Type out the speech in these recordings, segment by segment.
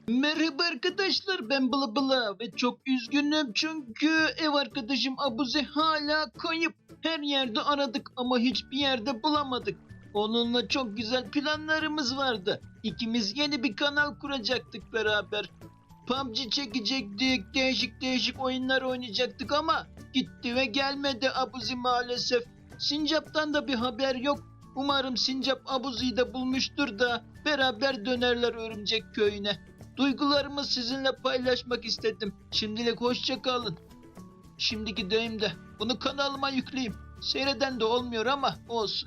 Merhaba arkadaşlar, ben Bılı Bılı ve çok üzgünüm çünkü ev arkadaşım Abuzi hala kayıp. Her yerde aradık ama hiçbir yerde bulamadık. Onunla çok güzel planlarımız vardı. İkimiz yeni bir kanal kuracaktık beraber. PUBG çekecektik, değişik değişik oyunlar oynayacaktık ama gitti ve gelmedi Abuzi maalesef. Sincap'tan da bir haber yok. Umarım Sincap Abuzi'yi de bulmuştur da beraber dönerler Örümcek Köyü'ne. Duygularımı sizinle paylaşmak istedim. Şimdilik hoşça kalın. Şimdi gideyim de bunu kanalıma yükleyeyim. Seyreden de olmuyor ama olsun.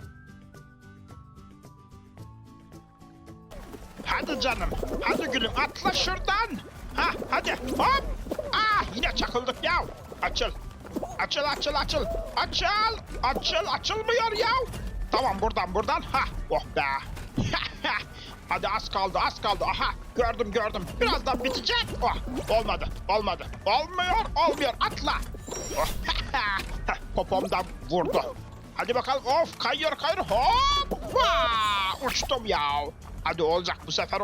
Hadi canım, hadi gülüm atla şuradan. Ha, hadi hop. Yine çakıldık ya. Açıl. Açıl. Açılmıyor ya. Tamam buradan. Ha, oh be. Hadi az kaldı. Aha, gördüm. Birazdan bitecek. Oh, olmadı. Olmuyor. Atla. Oh, popomdan vurdu. Hadi bakalım. Of, kayıyor. Hop. Uçtum ya. Hadi olacak bu sefer.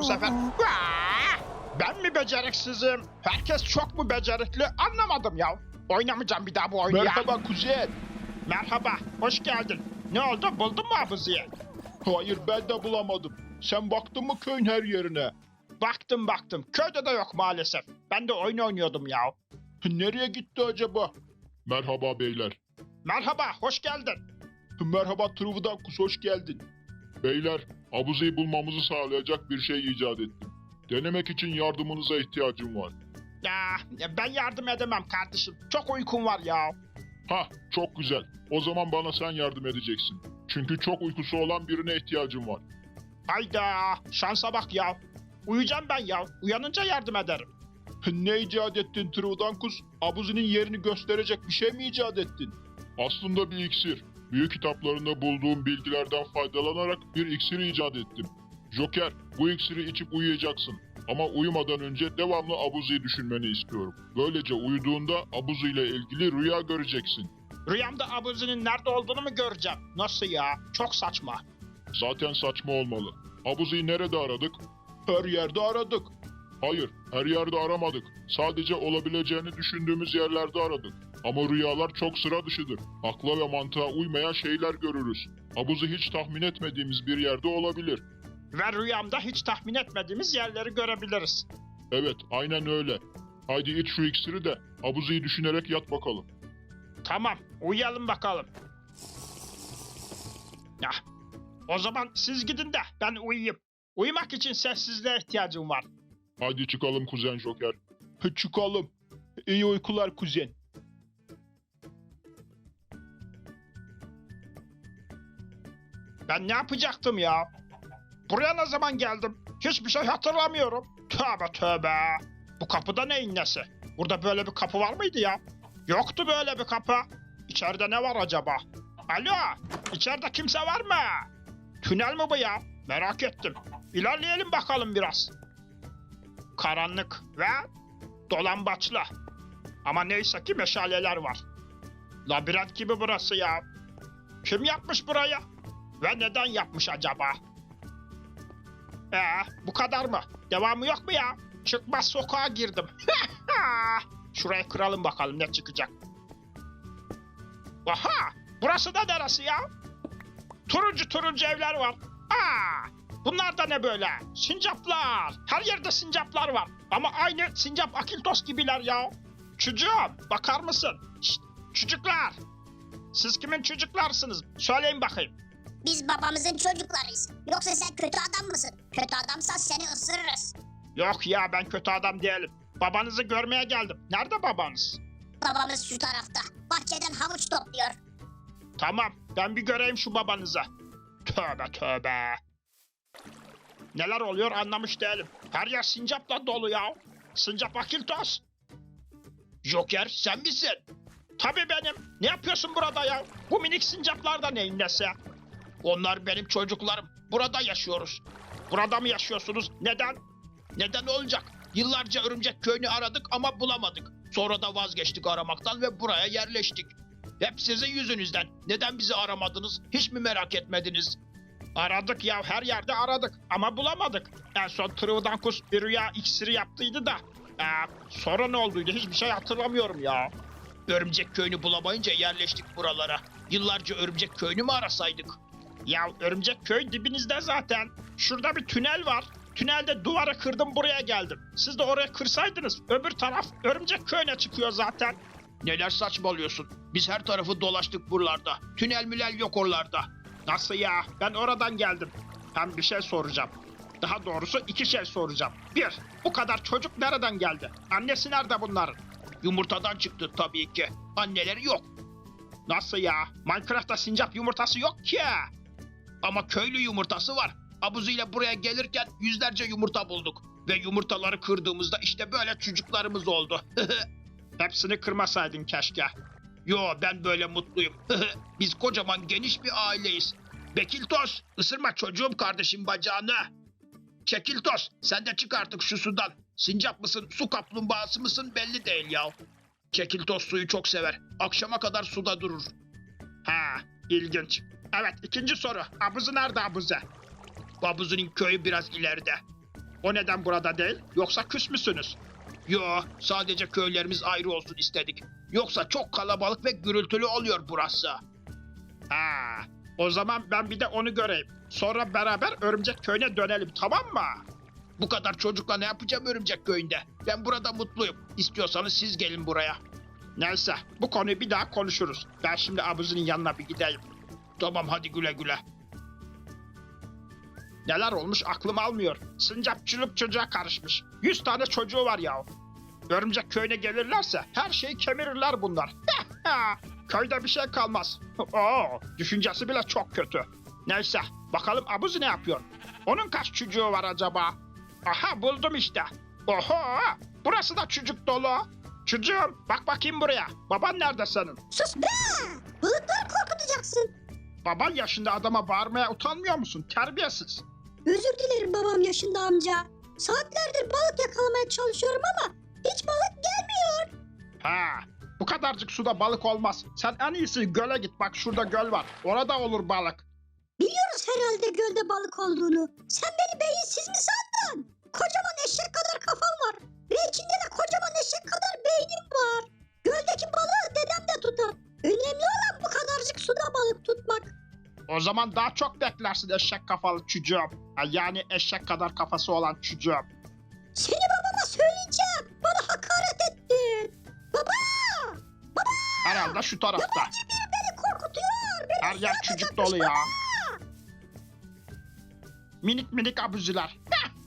Ben mi beceriksizim? Herkes çok mu becerikli? Anlamadım ya. Oynamayacağım bir daha bu oyunu ya. Merhaba kuzen. Merhaba, hoş geldin. Ne oldu? Buldun mu Abuzi'yi? Hayır ben de bulamadım. Sen baktın mı köyün her yerine? Baktım. Köyde de yok maalesef. Ben de oyun oynuyordum ya. Nereye gitti acaba? Merhaba beyler. Merhaba, hoş geldin. Merhaba Trıvıdankus, hoş geldin. Beyler, Abuzi'yi bulmamızı sağlayacak bir şey icat ettim. Denemek için yardımınıza ihtiyacım var. Ben yardım edemem kardeşim. Çok uykum var ya. Hah, çok güzel. O zaman bana sen yardım edeceksin. Çünkü çok uykusu olan birine ihtiyacım var. Hayda, şansa bak ya. Uyuyacağım ben ya. Uyanınca yardım ederim. Ne icat ettin Trıvıdankus? Abuzi'nin yerini gösterecek bir şey mi icat ettin? Aslında bir iksir. Büyük kitaplarında bulduğum bilgilerden faydalanarak bir iksir icat ettim. Joker, bu iksiri içip uyuyacaksın. Ama uyumadan önce devamlı Abuzi'yi düşünmeni istiyorum. Böylece uyuduğunda Abuzi ile ilgili rüya göreceksin. Rüyamda Abuzi'nin nerede olduğunu mu göreceğim? Nasıl ya? Çok saçma. Zaten saçma olmalı. Abuzi'yi nerede aradık? Her yerde aradık. Hayır, her yerde aramadık. Sadece olabileceğini düşündüğümüz yerlerde aradık. Ama rüyalar çok sıra dışıdır. Akla ve mantığa uymayan şeyler görürüz. Abuzi hiç tahmin etmediğimiz bir yerde olabilir. Ve rüyamda hiç tahmin etmediğimiz yerleri görebiliriz. Evet, aynen öyle. Haydi iç şu iksiri de Abuzi'yi düşünerek yat bakalım. Tamam, uyuyalım bakalım. Ya, o zaman siz gidin de ben uyuyayım. Uyumak için sessizliğe ihtiyacım var. Haydi çıkalım kuzen Joker. Çıkalım. İyi uykular kuzen. Ben ne yapacaktım ya? Buraya ne zaman geldim? Hiçbir şey hatırlamıyorum. Tövbe. Bu kapıda neyin nesi? Burada böyle bir kapı var mıydı ya? Yoktu böyle bir kapı. İçeride ne var acaba? Alo, içeride kimse var mı? Tünel mi bu ya? Merak ettim. İlerleyelim bakalım biraz. Karanlık ve dolambaçlı. Ama neyse ki meşaleler var. Labirent gibi burası ya. Kim yapmış burayı? Ve neden yapmış acaba? Bu kadar mı? Devamı yok mu ya? Çıkmaz sokağa girdim. Şurayı kıralım bakalım ne çıkacak. Aha! Burası da neresi ya? Turuncu evler var. Bunlar da ne böyle? Sincaplar. Her yerde sincaplar var. Ama aynı sincap Akiltos gibiler ya. Çocuğum bakar mısın? Şşt, çocuklar. Siz kimin çocuklarsınız? Söyleyin bakayım. Biz babamızın çocuklarıyız. Yoksa sen kötü adam mısın? Kötü adamsan seni ısırırız. Yok ya ben kötü adam değilim. Babanızı görmeye geldim. Nerede babanız? Babamız şu tarafta. Bahçeden havuç topluyor. Tamam ben bir göreyim şu babanızı. Tövbe. Neler oluyor anlamış değilim. Her yer sincapla dolu ya. Sincap Akiltos. Joker sen misin? Tabii benim. Ne yapıyorsun burada ya? Bu minik sincaplar da neyin nesi? Onlar benim çocuklarım. Burada yaşıyoruz. Burada mı yaşıyorsunuz? Neden? Neden olacak? Yıllarca Örümcek Köyü'nü aradık ama bulamadık. Sonra da vazgeçtik aramaktan ve buraya yerleştik. Hep sizin yüzünüzden. Neden bizi aramadınız? Hiç mi merak etmediniz? Aradık ya, her yerde aradık ama bulamadık. En son Trivdankus bir rüya iksiri yaptıydı da. Sonra ne olduydu hiçbir şey hatırlamıyorum ya. Örümcek köyünü bulamayınca yerleştik buralara. Yıllarca örümcek köyünü mü arasaydık? Ya örümcek köy dibinizde zaten. Şurada bir tünel var. Tünelde duvarı kırdım buraya geldim. Siz de oraya kırsaydınız öbür taraf örümcek köyüne çıkıyor zaten. Neler saçmalıyorsun? Biz her tarafı dolaştık buralarda. Tünel mülel yok oralarda. Nasıl ya? Ben oradan geldim. Hem bir şey soracağım. Daha doğrusu iki şey soracağım. Bir, bu kadar çocuk nereden geldi? Annesi nerede bunların? Yumurtadan çıktı tabii ki. Anneleri yok. Nasıl ya? Minecraft'ta sincap yumurtası yok ki. Ama köylü yumurtası var. Abuzuyla buraya gelirken yüzlerce yumurta bulduk. Ve yumurtaları kırdığımızda işte böyle çocuklarımız oldu. Hepsini kırmasaydın keşke. Yo, ben böyle mutluyum. Biz kocaman geniş bir aileyiz. Bekiltos, ısırma çocuğum kardeşim bacağını. Çekiltos, sen de çık artık şu sudan. Sincap mısın, su kaplumbağası mısın belli değil ya. Çekiltos suyu çok sever. Akşama kadar suda durur. Ha, ilginç. Evet, ikinci soru. Abuzu nerede Abuze? Abuzu'nun köyü biraz ileride. O neden burada değil? Yoksa küs müsünüz? Yo, sadece köylerimiz ayrı olsun istedik. Yoksa çok kalabalık ve gürültülü oluyor burası. Ha, o zaman ben bir de onu göreyim. Sonra beraber örümcek köyüne dönelim, tamam mı? Bu kadar çocukla ne yapacağım örümcek köyünde? Ben burada mutluyum. İstiyorsanız siz gelin buraya. Neyse, bu konuyu bir daha konuşuruz. Ben şimdi Abuzu'nun yanına bir gideyim. Tamam, hadi güle güle. Neler olmuş aklım almıyor. Sincapçılık çocuğa karışmış. 100 tane çocuğu var ya. Örümcek köyüne gelirlerse her şeyi kemirirler bunlar. Köyde bir şey kalmaz. Oo, düşüncesi bile çok kötü. Neyse, bakalım Abuzi ne yapıyor? Onun kaç çocuğu var acaba? Aha, buldum işte. Oho, burası da çocuk dolu. Çocuğum, bak bakayım buraya. Baban nerede senin? Sus be! Balıkları korkutacaksın. Baban yaşında adama bağırmaya utanmıyor musun? Terbiyesiz. Özür dilerim babam yaşında amca. Saatlerdir balık yakalamaya çalışıyorum ama hiç balık gelmiyor. Ha, bu kadarcık suda balık olmaz. Sen en iyisi göle git. Bak şurada göl var. Orada olur balık. Biliyoruz herhalde gölde balık olduğunu. Sen beni beyinsiz mi sandın? Kocaman eşek kadar kafam var. Ve içinde de kocaman eşek kadar beynim var. Göldeki balığı dedem de tutar. Önemli olan bu kadarcık suda balık tutmak. O zaman daha çok beklersin eşek kafalı çocuğum. Yani eşek kadar kafası olan çocuğum. Seni babama söyleyeceğim. Bana hakaret ettin. Baba! Herhalde şu tarafta. Yabancı biri beni korkutuyor. Beni Her yer çocuk dolu ya. Minik minik abuziler.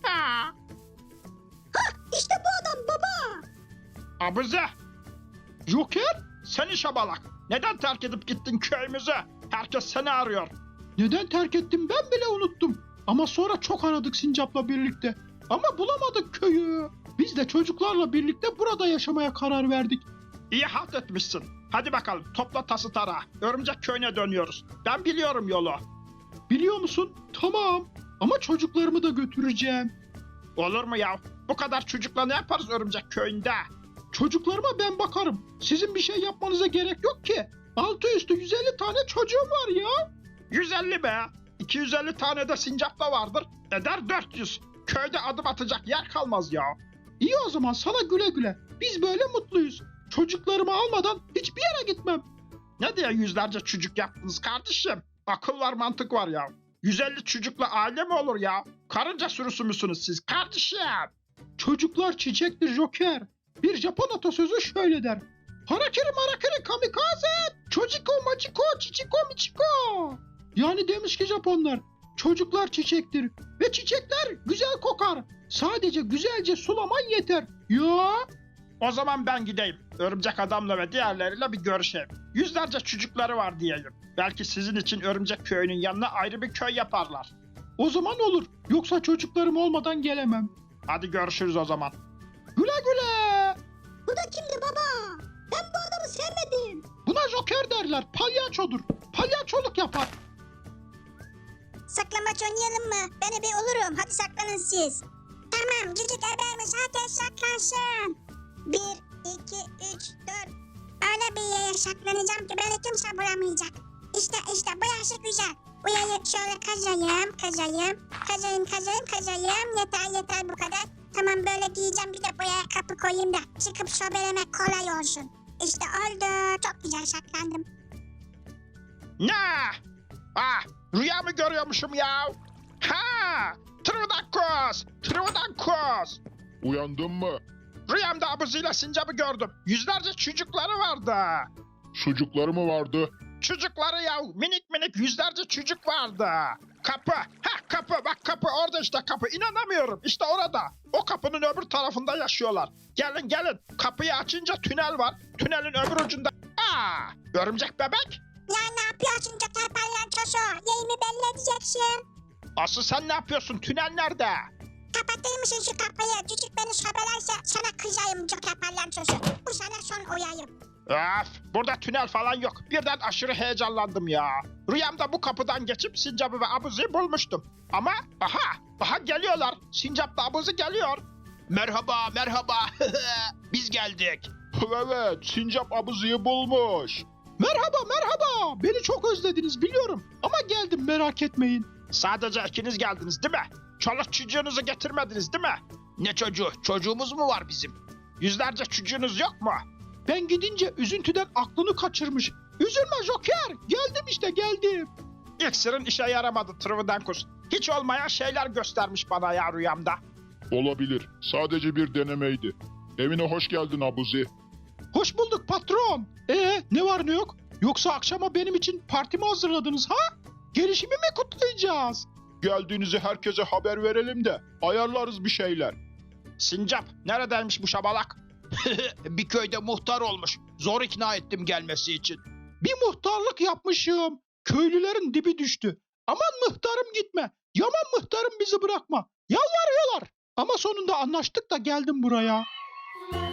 İşte bu adam baba. Abuzi. Joker, seni şabalak. Neden terk edip gittin köyümüzü? Herkes seni arıyor. Neden terk ettim ben bile unuttum. Ama sonra çok aradık Sincap'la birlikte. Ama bulamadık köyü. Biz de çocuklarla birlikte burada yaşamaya karar verdik. İyi halt etmişsin. Hadi bakalım, topla tası tarağı. Örümcek köyüne dönüyoruz. Ben biliyorum yolu. Biliyor musun? Tamam. Ama çocuklarımı da götüreceğim. Olur mu ya? Bu kadar çocukla ne yaparız örümcek köyünde? Çocuklarıma ben bakarım. Sizin bir şey yapmanıza gerek yok ki. Altı üstü 150 tane çocuğum var ya. 150 be. 250 tane de sincapla vardır. Eder 400. Köyde adım atacak yer kalmaz ya. İyi o zaman sana güle güle. Biz böyle mutluyuz. Çocuklarımı almadan hiçbir yere gitmem. Ne diye yüzlerce çocuk yaptınız kardeşim? Akıl var, mantık var ya. 150 çocukla aile mi olur ya? Karınca sürüsü müsünüz siz kardeşim? Çocuklar çiçektir Joker. Bir Japon atasözü şöyle der. Harakiri marakiri kamikaze, çociko maciko çiçiko miçiko. Yani demiş ki Japonlar, çocuklar çiçektir ve çiçekler güzel kokar. Sadece güzelce sulaman yeter. Ya O zaman ben gideyim. Örümcek adamla ve diğerleriyle bir görüşeyim. Yüzlerce çocukları var diyelim. Belki sizin için örümcek köyünün yanına ayrı bir köy yaparlar. o zaman olur. Yoksa çocuklarım olmadan gelemem. Hadi görüşürüz o zaman. Güle güle. Bu da kimdi baba? Ben bu adamı sevmedim. Buna Joker derler. Palyaçodur. Palyaçoluk yapar. Saklambaç oynayalım mı? Ben ebe olurum. Hadi saklanın siz. Tamam, cücük ebermiş. Herkes saklansın. 1, 2, 3, 4. Öyle bir yere saklanacağım ki beni kimse bulamayacak. İşte bu yaşı güzel. Uyayı şöyle kazayım. Yeter bu kadar. Tamam böyle giyeceğim bir de buraya kapı koyayım da çıkıp sobelemek kolay olsun. İşte oldu. Çok güzel saklandım. Ne? Ah, rüya mı görüyormuşum ya? Ha! Trivdankos! Uyandın mı? Rüyamda abuzuyla sincabı gördüm. Yüzlerce çocukları vardı. Sucukları mı vardı? Çocukları ya, minik yüzlerce çocuk vardı. Kapı, kapı, bak kapı orada işte kapı. İnanamıyorum, işte orada. O kapının öbür tarafında yaşıyorlar. Gelin, kapıyı açınca tünel var. Tünelin öbür ucunda... Örümcek bebek. Ya ne yapıyorsun Joker Palyaçosu? Yerimi belli edeceksin. Aslı sen ne yapıyorsun? Tünel nerede? Kapatır mısın şu kapıyı? Cücük beni sobelerse sana kızayım Joker Palyaçosu. Bu sana son uyarım. Öf, burada tünel falan yok. Birden aşırı heyecanlandım ya. Rüyamda bu kapıdan geçip sincabı ve abuzuyu bulmuştum. Ama aha geliyorlar. Sincapla abuzu geliyor. Merhaba. Biz geldik. Evet, sincap abuzuyu bulmuş. Merhaba. Beni çok özlediniz biliyorum. Ama geldim merak etmeyin. Sadece ikiniz geldiniz değil mi? Çoluk çocuğunuzu getirmediniz değil mi? Ne çocuğu? Çocuğumuz mu var bizim? Yüzlerce çocuğunuz yok mu? Ben gidince üzüntüden aklını kaçırmış. Üzülme Joker. Geldim işte geldim. İksirin işe yaramadı Trivdankus. Hiç olmayan şeyler göstermiş bana ya rüyamda. Olabilir. Sadece bir denemeydi. Evine hoş geldin Abuzi. Hoş bulduk patron. Ne var ne yok? Yoksa akşama benim için parti mi hazırladınız ha? Gelişimi mi kutlayacağız? Geldiğinizi herkese haber verelim de ayarlarız bir şeyler. Sincap neredeymiş bu şabalak? Bir köyde muhtar olmuş. Zor ikna ettim gelmesi için. Bir muhtarlık yapmışım. Köylülerin dibi düştü. Aman muhtarım gitme. Yaman muhtarım bizi bırakma. Yalvarıyorlar. Ama sonunda anlaştık da geldim buraya.